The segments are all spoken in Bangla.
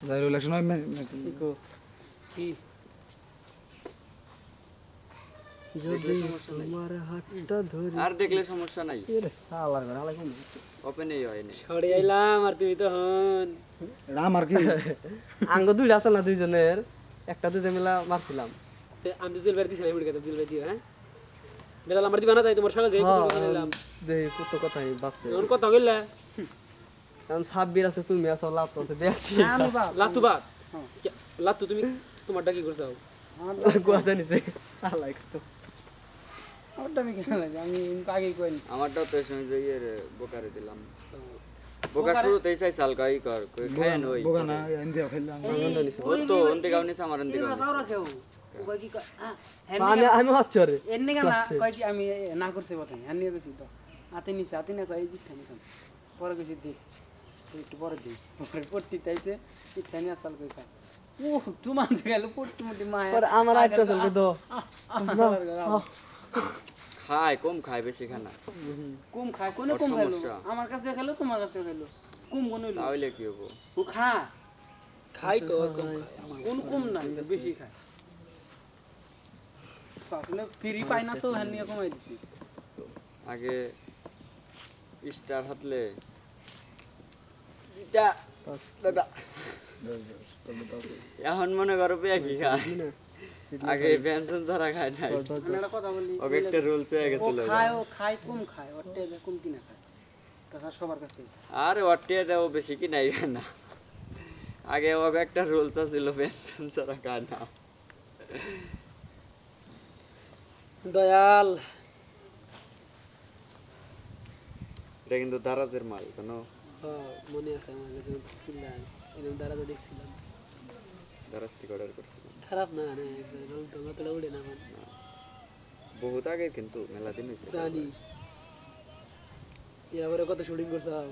যাই ইলেকশন হয় কি দেখলে সমস্যা নাই তোমার হাতটা ধরি আর দেখলে সমস্যা নাই আল্লাহর ঘরে আলাই কোন ওপেনই হয়নি সরে আইলাম আর তুমি তখন রাম আর কি আঙ্গ দুইটা আছে না দুইজনের একটা দুইটা মিলা মারছিলাম আমি তো জেল বের দিছি না মুড়ি জেল বের দিও হ্যাঁ বেলাল আমার দিবা না তাই তোমার সাথে দেখে নিলাম দেই কত কথাই বাসছে এখন কথা কইলা কারণ সাব্বির আছে তুমি আছো লাত আছে দেখছি লাতুবাদ লাতু তুমি তোমারটা কি করছো কথা নিছে আল্লাহ কত আমারটাও তো এই সময় যে ইয়ের বোকারে দিলাম বোকা শুরুতেই চাই সাল কই কর কই খায়ন হই বোকা না ইন্ডিয়া খেললাম ও তো অন্তে গাউনি আমার অন্তে গাউনি আমি হচ্ছে রে এনে কেন কয় কি আমি না করছে কথা আর নিয়ে গেছি তো হাতে নিচে হাতে না কয় দিচ্ছে না পরে গেছি দেখ একটু পরে দিই পরে পড়তি তাইছে ইচ্ছা নিয়ে আসাল কই খায় ও তোমার গেল পড়তি মুটি মায়া পরে আমার একটা চলকে দো খায় কম খায় বেশি খায় না কম খায় কোনে কম খাইলো আমার কাছে খেলো তোমার কাছে খেলো কম কোন হইলো তাহলে কি হবো ও খা খাই তো কম খাই কোন কম না বেশি খায় আসলে ফ্রি পাই না তো হ্যাঁ নিয়ে কমাই দিছি আগে স্টার হাতলে এটা দাদা এখন মনে করো পেয়া কি খায় আগে পেনশন ছাড়া খায় নাই আমি একটা কথা বলি ওকে একটা রুলস হয়ে ও গেছিল খায় কম খায় ওর টেজে কম কিনা খায় তাছাড়া সবার কাছে আর অটিয়ে দেও বেশি কি নাই না আগে ওকে একটা রুলস ছিল পেনশন ছাড়া খায় না দয়াল এটা কিন্তু দারাজের মাল জানো মনে আছে আমার কাছে কিনলাম এরকম দাঁড়াতে দেখছিলাম দারাজ থেকে অর্ডার করছিলাম খারাপ না রে রং টং অতটা উড়ে না আমার বহুত আগে কিন্তু মেলা দিন হয়েছে জানি এবারে কত শুটিং করছাও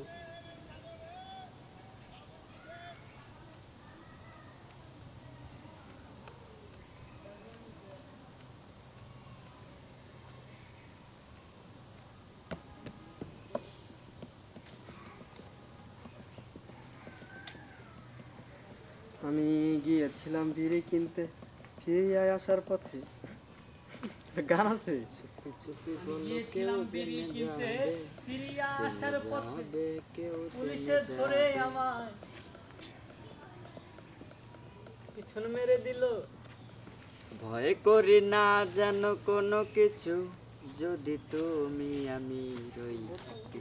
আমি গিয়েছিলাম বিড়ি কিনতে ফিরে আসার পথে গান আছে চুপি বলো কেউ জেনে যাবে ফিরিয়া আসার পথে যাবে কেউ পুলিশে ধরে আমায় পিছন মেরে দিল ভয় করি না যেন কোনো কিছু যদি তুমি আমি রই